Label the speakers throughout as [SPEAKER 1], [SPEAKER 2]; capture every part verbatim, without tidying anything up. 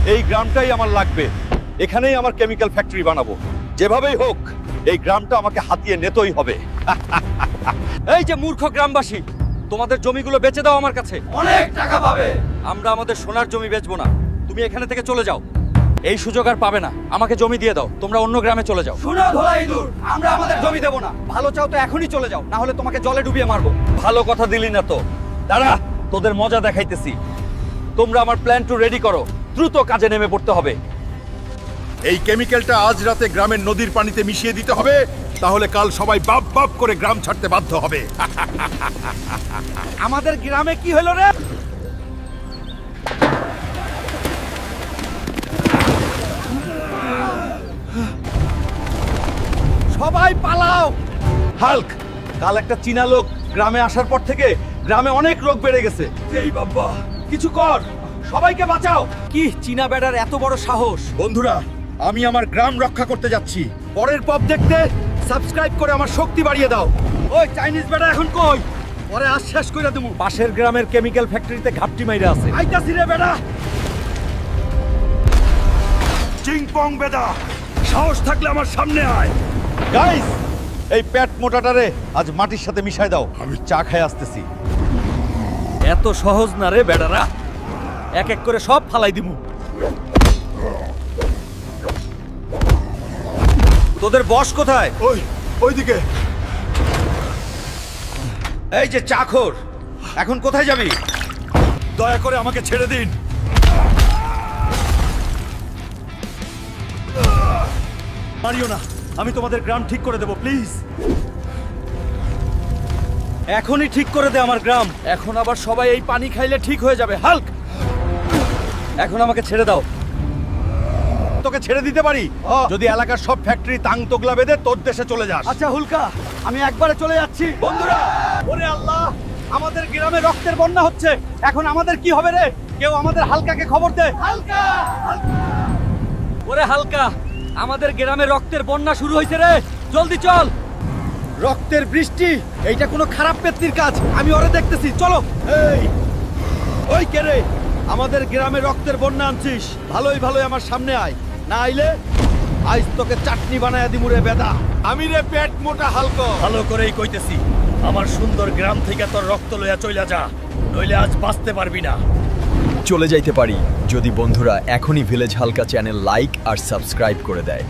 [SPEAKER 1] এই গ্রামটাই আমার লাগবে, এখানেই আমার কেমিক্যাল ফ্যাক্টরি বানাবো। যেভাবেই হোক এই গ্রামটা আমাকে হাতিয়ে নিতেই হবে।
[SPEAKER 2] এই যে মূর্খ গ্রামবাসী, তোমাদের জমিগুলো বেচে দাও আমার কাছে,
[SPEAKER 1] অনেক টাকা পাবে।
[SPEAKER 2] আমরা আমাদের সোনার জমি বেচবো না, তুমি এখানে থেকে চলে যাও। এই সুযোগ আর পাবে না, আমাকে জমি দিয়ে দাও, তোমরা অন্য গ্রামে চলে যাও।
[SPEAKER 1] শোনো ধোলা ইঁদুর, আমরা আমাদের জমি দেব না।
[SPEAKER 2] ভালো চাও তো এখনই চলে যাও, না হলে তোমাকে জলে ডুবিয়ে মারবো।
[SPEAKER 1] ভালো কথা দিলি না তো, দাঁড়া তোদের মজা দেখাইতেছি। তোমরা আমার প্ল্যান টু রেডি করো, দ্রুত কাজে নেমে পড়তে হবে।
[SPEAKER 3] এই কেমিক্যালটা আজ রাতে গ্রামের নদীর পানিতে মিশিয়ে দিতে হবে, তাহলে কাল সবাই বাপ বাপ করে গ্রাম ছাড়তে বাধ্য হবে।
[SPEAKER 2] আমাদের গ্রামে কি হলো রে?
[SPEAKER 1] সবাই পালাও। হাল্ক, কাল একটা চীনা লোক গ্রামে আসার পর থেকে গ্রামে অনেক রোগ বেড়ে গেছে। এই বাবা, কিছু কর, সবাইকে বাঁচাও।
[SPEAKER 2] কি চীনা বেড়ার এত বড় সাহস?
[SPEAKER 3] বন্ধুরা, আমি আমার গ্রাম রক্ষা করতে যাচ্ছি।
[SPEAKER 1] পরের পপ দেখতে সাবস্ক্রাইব করে আমার শক্তি বাড়িয়ে দাও। ওই চাইনিজ বেটা এখন কই? পরে আজ শেষ করে দেবো।
[SPEAKER 2] পাশের গ্রামের কেমিক্যাল ফ্যাক্টরিতে ঘাপটি মাইরা আছে।
[SPEAKER 1] আইতাছি রে বেটা।
[SPEAKER 3] চিংপং বেদা, সাহস থাকলে আমার সামনে আয়।
[SPEAKER 1] গাইস, এই পেট মোটাটারে আজ মাটির সাথে মিশাই দাও, আমি চা খেয়ে আসতেছি।
[SPEAKER 2] এত সহজ না রে বেড়ারা, এক এক করে সব ফালাই দিমু।
[SPEAKER 1] তোদের বস কোথায়?
[SPEAKER 3] ওই ওইদিকে।
[SPEAKER 1] এই যে চাখর, এখন কোথায় যাবি?
[SPEAKER 3] দয়া করে আমাকে ছেড়ে দিন।
[SPEAKER 1] মারিও না, আমি তোমাদের গ্রাম ঠিক করে দেবো, প্লিজ।
[SPEAKER 2] এখনই ঠিক করে দে আমার গ্রাম, এখন আবার সবাই এই পানি খাইলে ঠিক হয়ে যাবে। হাল্ক, এখন আমাকে ছেড়ে দাও।
[SPEAKER 1] তোকে ছেড়ে দিতে পারি যদি এলাকার সব ফ্যাক্টরি তাং তোগলা বেঁধে তোর দেশে চলে যাস।
[SPEAKER 2] আচ্ছা হুলকা, আমি একবারে চলে যাচ্ছি।
[SPEAKER 1] বন্ধুরা, ওরে আল্লাহ, আমাদের গ্রামে রক্তের বন্যা হচ্ছে। এখন আমাদের কি হবে রে? কেউ আমাদের হালকাকে খবর দে। হালকা,
[SPEAKER 2] ওরে হালকা, আমাদের গ্রামে রক্তের বন্যা শুরু হয়েছে রে, জলদি চল।
[SPEAKER 1] রক্তের বৃষ্টি, এইটা কোনো খারাপ পেত্নির কাজ। আমি ওরে দেখতেছি, চলো। এই ওই কে রে? আমাদের গ্রামে রক্তের বন্যা আনছিস, ভালোই ভালোই আমার সামনে আয়, না আইলে আজ তোকে চাটনি বানায়া দিমু রে বেদা।
[SPEAKER 3] আমি রে পেট মোটা হালকা।
[SPEAKER 2] ভালো করেই কইতেছি, আমার সুন্দর গ্রাম থেকে তোর রক্ত লইয়া চইলা যা, নইলে আজ বাঁচতে পারবি না।
[SPEAKER 4] চলে যাইতে পারি যদি বন্ধুরা এখনই ভিলেজ হালকা চ্যানেল লাইক আর সাবস্ক্রাইব করে দেয়।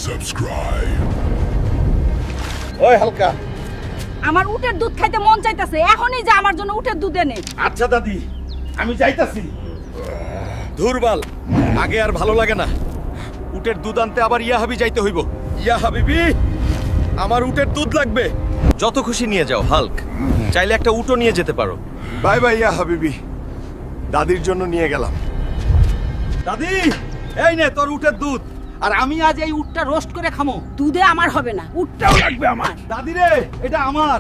[SPEAKER 1] ওই হালকা,
[SPEAKER 5] আমার উটের দুধ খাইতে মন চাইতেছে, এখনই যা আমার জন্য উটের দুধ এনে।
[SPEAKER 1] আচ্ছা দাদি, আমি যাইতাছি। ধুরবাল, আগে আর ভালো লাগে না। উটের দুধ আনতে আবার ইয়া হাবি যাইতে হইব। ইয়া হাবিবি, আমার উটের দুধ লাগবে।
[SPEAKER 2] যত খুশি নিয়ে যাও হাল্ক, চাইলে একটা উটও নিয়ে যেতে পারো।
[SPEAKER 3] বাই বাই ইয়া হাবিবি, দাদির জন্য নিয়ে গেলাম।
[SPEAKER 1] দাদি, এই নে তোর উটের দুধ।
[SPEAKER 5] আর আমি আজ এই উটটা রোস্ট করে খামো। দুধে আমার হবে না, উটটাও লাগবে আমার।
[SPEAKER 1] দাদি রে, এটা আমার।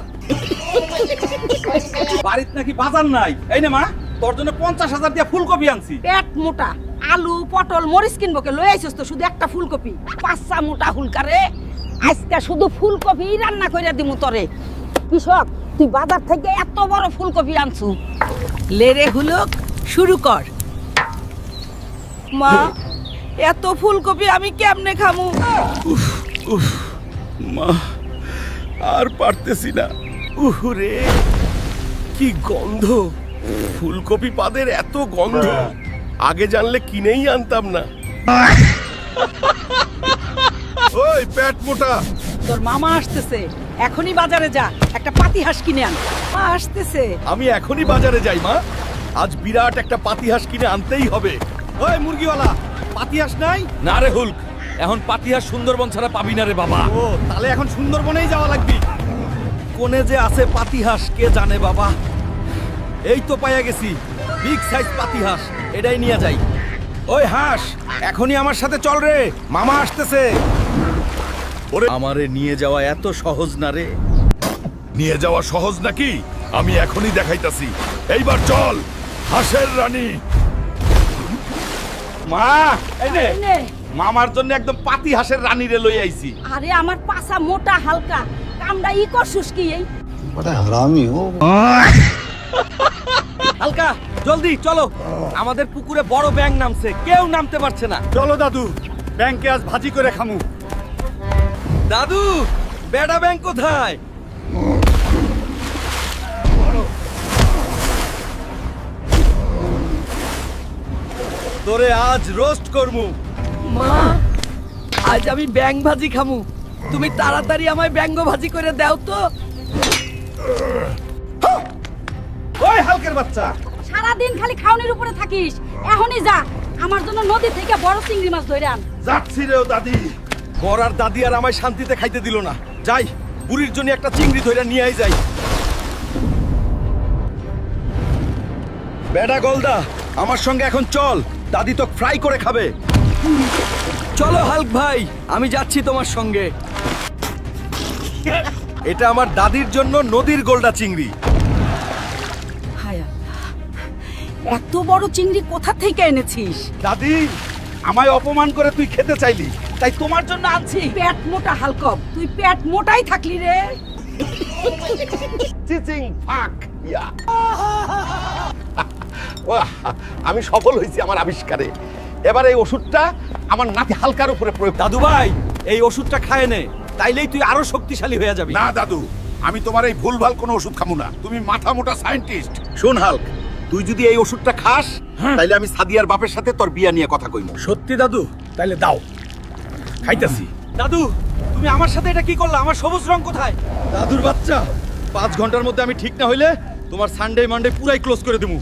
[SPEAKER 1] বাড়িতে নাকি বাজার নাই। এই নে মা, তোর জন্য পঞ্চাশ হাজার দিয়ে ফুলকপি আনছি।
[SPEAKER 5] পেট মোটা, আলু পটল মরিচ কিনবো কে লই আইছস তো শুধু একটা ফুলকপি। পাঁচটা মোটা হুলকারে, আজকে শুধু ফুলকপি রান্না কইরা দিমু তরে। কৃষক, তুই বাজার থেকে এত বড় ফুলকপি আনছু, লেরে হুলক শুরু কর। মা, এত ফুলকপি আমি কেমনে খামু?
[SPEAKER 3] মা, আর পারতেছি না। উহুরে, কি গন্ধ! ফুলকপি পাদের এত গন্ধ, আগে জানলে কিনেই আনতাম না। ওই পেট মোটা,
[SPEAKER 5] তোর মামা আসতেছে, এখনই বাজারে যা, একটা পাতিহাঁস কিনে আন। মা আসতেছে।
[SPEAKER 3] আমি এখনই বাজারে যাই মা, আজ বিরাট একটা পাতিহাঁস কিনে আনতেই হবে।
[SPEAKER 1] ওই মুরগিওয়ালা, পাতিহাঁস নাই?
[SPEAKER 2] না রে হুল্ক, এখন পাতিহাঁস সুন্দরবন ছাড়া পাবি না রে বাবা।
[SPEAKER 1] ও, তাহলে এখন সুন্দরবনেই যাওয়া লাগবে। কোনে যে আছে পাতিহাঁস কে জানে বাবা। এই তো পাইয়া গেছি, বিগ সাইজ পাতিহাঁস, এটাই নিয়ে যাই। ওই হাঁস, এখনই আমার সাথে চল রে, মামা আসতেছে।
[SPEAKER 3] ওরে,
[SPEAKER 1] আমারে নিয়ে যাওয়া এত সহজ না রে।
[SPEAKER 3] নিয়ে যাওয়া সহজ নাকি? আমি এখনই দেখাইতাছি। এইবার চল, হাঁসের রানী।
[SPEAKER 1] মা, এই নে,
[SPEAKER 5] এই নে।
[SPEAKER 1] মামার জন্য একদম পাতিহাঁসের রানী রে লই আইছি।
[SPEAKER 5] আরে আমার পাছা মোটা হালকা, কামড়া ই করছুস কি এই?
[SPEAKER 6] बड़ा हरामी हो।
[SPEAKER 2] হালকা জলদি চলো, আমাদের পুকুরে বড় ব্যাঙ নামছে, কেউ নামতে পারছে না।
[SPEAKER 1] চলো দাদু, ব্যাংকে আজ ভাজি করে খামু।
[SPEAKER 2] দাদু, বেড়া ব্যাঙ কোথায়?
[SPEAKER 1] তোরে আজ রোস্ট করমু।
[SPEAKER 2] মা, আজ আমি ব্যাঙ ভাজি খামু, তুমি তাড়াতাড়ি আমায় ব্যাঙ্গ ভাজি করে দাও তো।
[SPEAKER 1] ওই হালকের বাচ্চা,
[SPEAKER 5] সারাদিন খালি খাওনির উপরে থাকিস, এখনই যা আমার জন্য নদী থেকে বড় চিংড়ি মাছ ধরে আন।
[SPEAKER 1] যাচ্ছি রে ও দাদি।
[SPEAKER 2] বড়ার দাদি আর আমায় শান্তিতে খাইতে দিল না। যাই, বুড়ির জন্য একটা চিংড়ি ধরে নিয়ে আই যাই।
[SPEAKER 1] বেডা গলদা, আমার সঙ্গে এখন চল, দাদি তো ফ্রাই করে খাবে।
[SPEAKER 2] চলো হাল্ক ভাই, আমি যাচ্ছি তোমার সঙ্গে।
[SPEAKER 1] এটা আমার দাদির জন্য নদীর গোলদা চিংড়ি।
[SPEAKER 5] হায়া, এত বড় চিংড়ি কোথা থেকে এনেছিস?
[SPEAKER 1] দাদি, আমায় অপমান করে তুই খেতে চাইলি, তাই তোমার জন্য আনছি।
[SPEAKER 5] পেট মোটা হালকব, তুই পেট মোটাই থাকলি রে।
[SPEAKER 3] চিচিং ফাক ইয়া ওয়াহ, আমি সফল হয়েছি আমার আবিষ্কারে। এবার এই ওষুধটা আমার নাতি হালকার উপরে প্রয়োগ।
[SPEAKER 2] দাদু ভাই, এই ওষুধটা খায় নে, তাইলেই তুই আরো শক্তিশালী হয়ে যাবি।
[SPEAKER 3] না দাদু, আমি তোমার এই ভুলভাল কোনো ওষুধ খামু না। তুমি মাথা মোটা সায়েন্টিস্ট।
[SPEAKER 1] শোন হাল্ক, তুই যদি এই ওষুধটা খাস, তাইলে আমি সাদিয়ার বাপের সাথে তোর বিয়া নিয়ে কথা কইব।
[SPEAKER 3] সত্যি দাদু? তাইলে দাও, খাইতাছি।
[SPEAKER 2] দাদু, তুমি আমার সাথে এটা কি করলা? আমার সবুজ রং কোথায়?
[SPEAKER 1] দাদুর বাচ্চা, পাঁচ ঘন্টার মধ্যে আমি ঠিক না হইলে তোমার সানডে মানডে পুরাই ক্লোজ করে দেবো।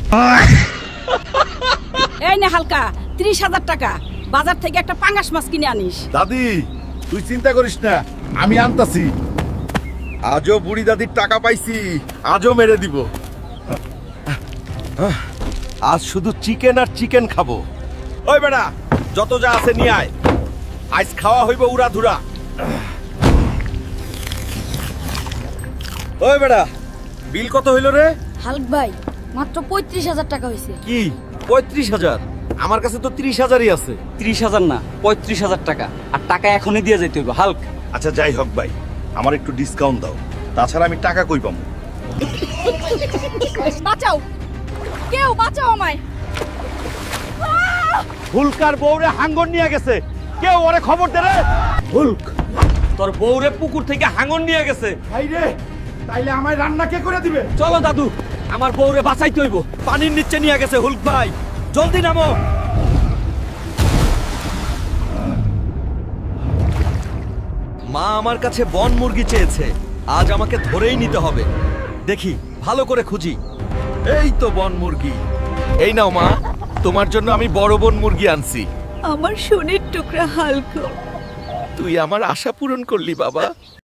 [SPEAKER 5] এই নে হালকা, ত্রিশ হাজার টাকা, বাজার থেকে একটা পাঙ্গাস মাছ কিনে আনিস।
[SPEAKER 3] দাদি, তুই চিন্তা করিস না, আমি আনতাছি।
[SPEAKER 1] আজও বুড়ি দাদির টাকা পাইছি, আজও মেরে দিব। আজ শুধু চিকেন আর চিকেন খাবো। ওই বেটা, যত যা আছে নিয়ে আয়, আজ খাওয়া হইব উড়া ধুরা। ওই বেটা, বিল কত হইল রে?
[SPEAKER 6] হাল্ক ভাই, মাত্র পঁয়ত্রিশ হাজার টাকা হয়েছে।
[SPEAKER 2] কি পঁয়ত্রিশ হাজার? আমার কাছে তো ত্রিশ হাজারই আছে। ত্রিশ হাজার না, পঁয়ত্রিশ হাজার টাকা, আর টাকা এখনই দিয়ে যাইতে হইব। হাল্ক,
[SPEAKER 1] আচ্ছা যাই হোক ভাই, আমার একটু ডিসকাউন্ট দাও, তাছাড়া আমি টাকা কই পাবো?
[SPEAKER 6] বাঁচাও, কেউ বাঁচাও আমায়।
[SPEAKER 1] হুলকার বউরে হাঙ্গর নিয়ে গেছে, কেউ ওরে খবর দে রে। হুলক,
[SPEAKER 2] তোর বউরে পুকুর থেকে হাঙর নিয়ে গেছে।
[SPEAKER 1] ভাই রে, তাইলে আমায় রান্না কে করে দিবে?
[SPEAKER 2] চলো দাদু, আমার বউরে বাঁচাইতে হইব। পানির নিচে নিয়ে গেছে হুল্ক ভাই, জলদি নামো। মা আমার কাছে বন মুরগি চেয়েছে, আজ আমাকে ধরেই নিতে হবে। দেখি, ভালো করে খুঁজি। এই তো বন মুরগি। এই নাও মা, তোমার জন্য আমি বড় বন মুরগি আনছি।
[SPEAKER 6] আমার সোনের টুকরা হাল্ক,
[SPEAKER 3] তুই আমার আশা পূরণ করলি বাবা।